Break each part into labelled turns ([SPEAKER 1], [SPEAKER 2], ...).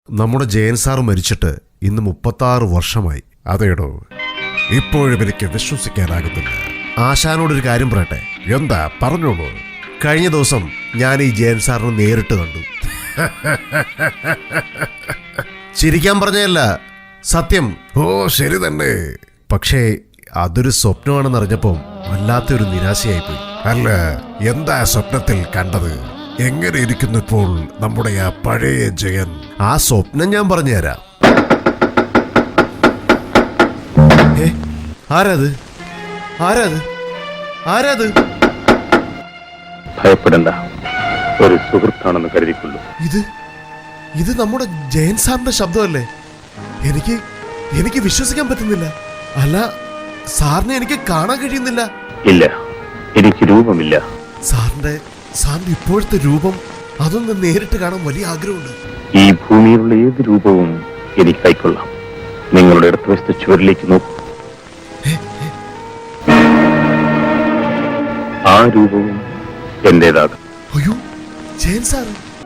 [SPEAKER 1] നമ്മുടെ ജയൻ സാർ മരിച്ചിട്ട് ഇന്ന് 36 വർഷമായി. അതേടോ, ഇപ്പോഴും എനിക്ക് വിശ്വസിക്കാനാകുന്നില്ല. ആശാനോടൊരു കാര്യം പറയട്ടെ. എന്താ, പറഞ്ഞോളൂ. കഴിഞ്ഞ ദിവസം ഞാൻ ഈ ജയൻ സാറിനെ നേരിട്ട് കണ്ടു. ചിരിക്കാൻ പറഞ്ഞതല്ല, സത്യം. ഓ ശരി തന്നെ. പക്ഷേ അതൊരു സ്വപ്നമാണെന്നറിഞ്ഞപ്പോൾ വല്ലാത്തൊരു നിരാശയായിപ്പോയി. അല്ല, എന്താ സ്വപ്നത്തിൽ കണ്ടത്? എങ്ങനെ ഇരിക്കുന്നു ഇപ്പോൾ നമ്മുടെ ആ പഴയ ജയൻ? ആ സ്വപ്നം ഞാൻ പറഞ്ഞുതരാം. ആരാത്? ആരാത്? ആരാത്?
[SPEAKER 2] ഭയപ്പെടണ്ട, ഒരു സുഹൃത്താണെന്ന് കരുതിക്കൊള്ളൂ.
[SPEAKER 1] ഇത് നമ്മുടെ ജയൻ സാറിന്റെ ശബ്ദമല്ലേ? എനിക്ക് വിശ്വസിക്കാൻ പറ്റുന്നില്ല. അല്ല, സാറിനെ എനിക്ക് കാണാൻ കഴിയുന്നില്ല.
[SPEAKER 2] ഇല്ല, എനിക്ക് രൂപമില്ല.
[SPEAKER 1] സാറിന്റെ ഇപ്പോഴത്തെ രൂപം അതൊന്ന് നേരിട്ട് കാണാൻ വലിയ ആഗ്രഹമുണ്ട്.
[SPEAKER 2] ഈ ഭൂമിയിലുള്ള ഏത് രൂപവും എനിക്ക് കൈക്കൊള്ളാം. നിങ്ങളുടെ ഇടതുവശത്തെ ചുവരിലേക്ക് നോക്കൂ. ആ രൂപവും എന്റേതാകും.
[SPEAKER 1] അയ്യോ, ജയൻ സാർ.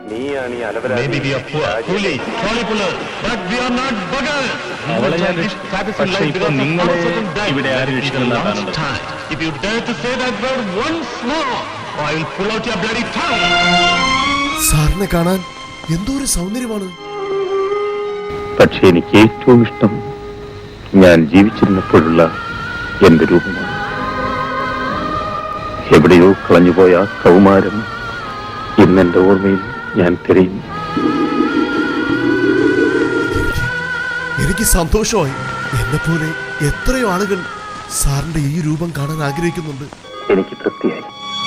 [SPEAKER 1] സാറിനെ കാണാൻ എന്തോ ഒരു സൗന്ദര്യമാണ്.
[SPEAKER 2] പക്ഷെ എനിക്ക് ഏറ്റവും ഇഷ്ടം ഞാൻ ജീവിച്ചിരുന്നപ്പോഴുള്ള എന്റെ രൂപമാണ്. എവിടെയോ കളഞ്ഞുപോയ ആ കൗമാരം ഇന്നെന്റെ ഓർമ്മയിൽ ഞാൻ തിരയുന്നു.
[SPEAKER 1] എനിക്ക് സന്തോഷമായി. എന്നെപ്പോലെ എത്രയോ ആളുകൾ സാറിന്റെ ഈ രൂപം കാണാൻ ആഗ്രഹിക്കുന്നുണ്ട്.
[SPEAKER 2] എനിക്ക് തൃപ്തിയായി.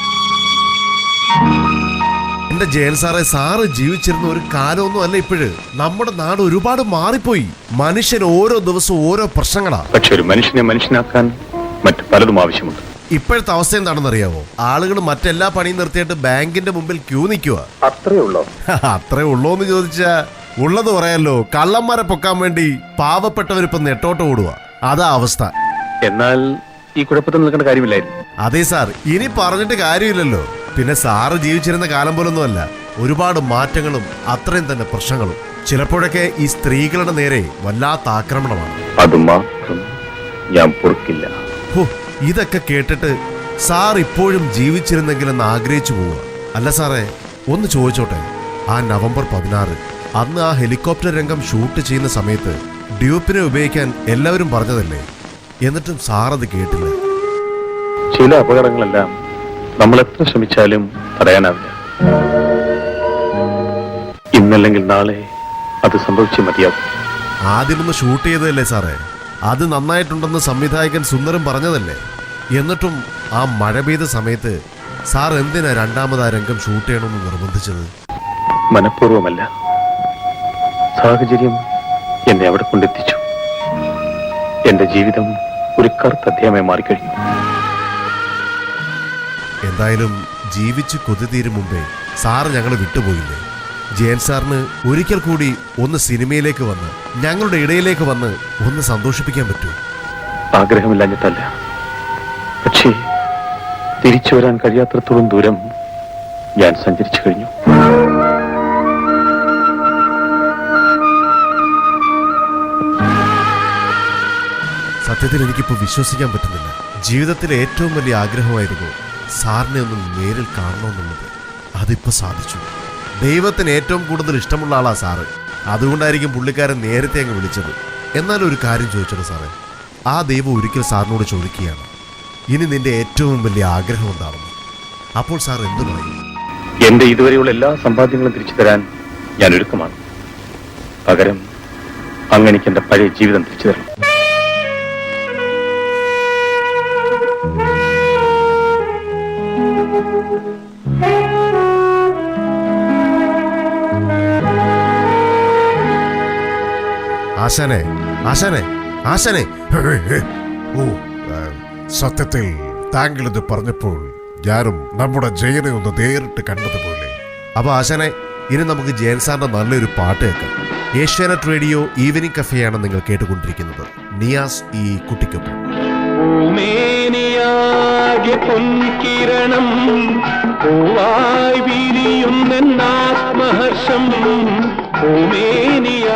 [SPEAKER 1] എന്റെ ജയൻ സാറെ, സാറ് ജീവിച്ചിരുന്ന ഒരു കാലമൊന്നും അല്ല ഇപ്പോഴ്. നമ്മുടെ നാട് ഒരുപാട് മാറിപ്പോയി. മനുഷ്യൻ ഓരോ ദിവസവും ഓരോ പ്രശ്നങ്ങളാ.
[SPEAKER 2] പക്ഷെ ഒരു മനുഷ്യനെ മനുഷ്യനാക്കാൻ മറ്റു പലതും ആവശ്യമുണ്ട്.
[SPEAKER 1] ഇപ്പോഴത്തെ അവസ്ഥ എന്താണെന്ന് അറിയാമോ? ആളുകൾ മറ്റെല്ലാ പണിയും നിർത്തിയിട്ട് ബാങ്കിന്റെ മുമ്പിൽ ക്യൂ നിൽക്കുക.
[SPEAKER 2] അത്രേ ഉള്ളോ?
[SPEAKER 1] അത്രേ ഉള്ളോന്ന് ചോദിച്ചാ ഉള്ളത് പറയാലോ. കള്ളന്മാരെ പൊക്കാൻ വേണ്ടി പാവപ്പെട്ടവരിപ്പം നെട്ടോട്ട് ഓടുക. അതാ അവസ്ഥ.
[SPEAKER 2] എന്നാൽ ഈ കുഴപ്പത്തിൽ നിൽക്കേണ്ട കാര്യമില്ലായിരുന്നു.
[SPEAKER 1] അതെ സാർ, ഇനി പറഞ്ഞിട്ട് കാര്യമില്ലല്ലോ. പിന്നെ സാറ് ജീവിച്ചിരുന്ന കാലം പോലൊന്നും അല്ല. ഒരുപാട് മാറ്റങ്ങളും അത്രയും തന്നെ പ്രശ്നങ്ങളും. ചിലപ്പോഴൊക്കെ ഈ സ്ത്രീകളുടെ നേരെ വല്ലാത്ത ആക്രമണമാണ്.
[SPEAKER 2] അത് മാത്രം ഞാൻ പൊറുക്കില്ല.
[SPEAKER 1] ഇതൊക്കെ കേട്ടിട്ട് സാർ ഇപ്പോഴും ജീവിച്ചിരുന്നെങ്കിലെന്ന് ആഗ്രഹിച്ചു പോവുക. അല്ല സാറേ, ഒന്ന് ചോദിച്ചോട്ടെ. ആ നവംബർ 16 അന്ന് ആ ഹെലികോപ്റ്റർ രംഗം ഷൂട്ട് ചെയ്യുന്ന സമയത്ത് ഡ്യൂപ്പിനെ ഉപയോഗിക്കാൻ എല്ലാവരും പറഞ്ഞതല്ലേ? എന്നിട്ടും സാർ അത് കേട്ടില്ല.
[SPEAKER 2] ചില അപകടങ്ങളെല്ലാം നമ്മൾ എത്ര ശ്രമിച്ചാലും തടയാനാവില്ല. ഇന്നല്ലെങ്കിൽ നാളെ അത് സംഭവിച്ചേ മതിയാകും.
[SPEAKER 1] ആദ്യമൊന്ന് ഷൂട്ട് ചെയ്തതല്ലേ സാറേ? അത് നന്നായിട്ടുണ്ടെന്ന് സംവിധായകൻ സുന്ദരം പറഞ്ഞതല്ലേ? എന്നിട്ടും ആ മഴ പെയ്ത സമയത്ത് സാർ എന്തിനാ രണ്ടാമത് ആ രംഗം ഷൂട്ട് ചെയ്യണമെന്ന് നിർബന്ധിച്ചത്?
[SPEAKER 2] മനഃപൂർവ്വമല്ല, സാഹചര്യം എന്നെ അവിടെ കൊണ്ടെത്തിച്ചു. എന്റെ ജീവിതം ഒരു കറുത്ത അധ്യായമായി മാറിക്കഴിഞ്ഞു.
[SPEAKER 1] എന്തായാലും ജീവിച്ച് കൊതി തീരും മുമ്പേ സാറ് ഞങ്ങൾ വിട്ടുപോയില്ലേ? ജയൻ സാറിന് ഒരിക്കൽ കൂടി ഒന്ന് സിനിമയിലേക്ക് വന്ന് ഞങ്ങളുടെ ഇടയിലേക്ക് വന്ന് ഒന്ന് സന്തോഷിപ്പിക്കാൻ പറ്റൂ?
[SPEAKER 2] ആഗ്രഹമില്ലാഞ്ഞിട്ടല്ല, പക്ഷേ തിരിച്ചു വരാൻ കഴിയാത്രത്തോളം ദൂരം ഞാൻ സഞ്ചരിച്ചു കഴിഞ്ഞു.
[SPEAKER 1] സത്യത്തിൽ എനിക്കിപ്പോൾ വിശ്വസിക്കാൻ പറ്റുന്നില്ല. ജീവിതത്തിലെ ഏറ്റവും വലിയ ആഗ്രഹമായിരുന്നു സാറിനെ ഒന്ന് നേരിൽ കാണണമെന്നുള്ളത്. അതിപ്പോൾ സാധിച്ചു. ദൈവത്തിന് ഏറ്റവും കൂടുതൽ ഇഷ്ടമുള്ള ആളാ സാറ്. അതുകൊണ്ടായിരിക്കും പുള്ളിക്കാരൻ നേരത്തെ അങ്ങ് വിളിച്ചത്. എന്നാലും ഒരു കാര്യം ചോദിച്ചോളൂ സാറേ. ആ ദൈവം ഒരിക്കൽ സാറിനോട് ചോദിക്കുകയാണ്, ഇനി നിന്റെ ഏറ്റവും വലിയ ആഗ്രഹം എന്താണെന്ന്. അപ്പോൾ സാർ എന്തു പറയും?
[SPEAKER 2] എന്റെ ഇതുവരെയുള്ള എല്ലാ സമ്പാദ്യങ്ങളും തിരിച്ചു തരാൻ ഞാൻ ഒരുക്കമാണ്. പകരം അങ്ങ് എനിക്ക് എന്റെ പഴയ ജീവിതം തിരിച്ചു തരണം.
[SPEAKER 1] ആശാനെ, ആശാനെ, ആശാനെ. ഓ, സത്യത്തിൽ താങ്കൾ ഇത് പറഞ്ഞപ്പോൾ ഞാനും നമ്മുടെ ജയനെ ഒന്ന് നേരിട്ട് കണ്ടതുപോലെ. അപ്പൊ ആശാനെ, ഇനി നമുക്ക് ജയൻ സാറിന്റെ നല്ലൊരു പാട്ട് കേൾക്കാം. ഏഷ്യാനെറ്റ് റേഡിയോ ഈവനിംഗ് കഫേയാണ് നിങ്ങൾ കേട്ടുകൊണ്ടിരിക്കുന്നത്. നിയാസ് ഈ കുട്ടിക്കൊപ്പം.
[SPEAKER 3] പൂവായി വിരിയുന്ന ആത്മഹർഷം
[SPEAKER 2] ഭൂമേനിയ